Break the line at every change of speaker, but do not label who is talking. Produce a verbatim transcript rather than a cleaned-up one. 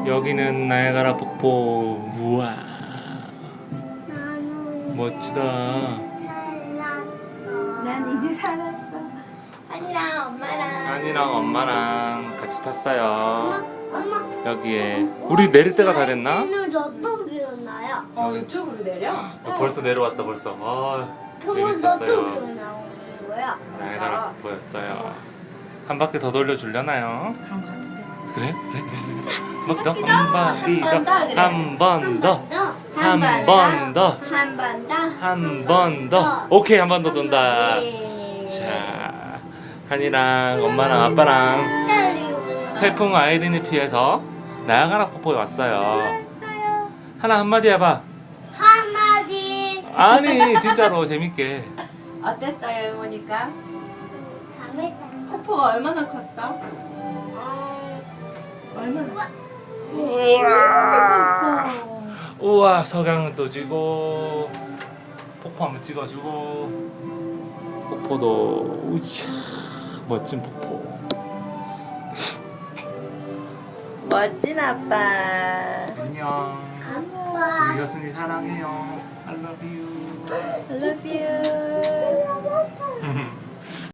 여기는 나야가라 폭포. 우와,
나는
멋지다.
살았어.
난 이제 살았어. 한이랑 엄마랑.
한이랑 엄마랑 같이 탔어요.
엄마, 엄마.
여기에 우리 내릴 때가 다 됐나?
오늘 어떻게 오나요?
어, 이쪽으로 내려?
어, 벌써 내려왔다 벌써. 아,
그럼
재밌었어요.
어떻게 나오는 거야?
나야가라 폭포였어요. 한 바퀴 더 돌려주려나요?
그런 거 같은데.
그래? 그래? 한 바퀴 더? 한 바퀴
한 번 더,
더?
그래.
한 번 더?
한
한
번
번 더?
한 번 더.
한 번 더? 오케이, 한 번 더 돈다.
예.
자, 한이랑 엄마랑 아빠랑 태풍 아이린이 피해서 나야가라 폭포에 왔어요.
왔어요.
하나 한마디 해봐.
한마디.
아니, 진짜로 재밌게.
어땠어요, 응원이가?
재밌다.
폭포가 얼마나 컸어?
어,
얼마나?
우와,
컸어.
우와, 석양도 지고 폭포 한번 찍어주고 폭포도 이야, 멋진 폭포.
멋진 아빠.
안녕.
아빠.
우리 여순이 사랑해요. I love you.
I love you.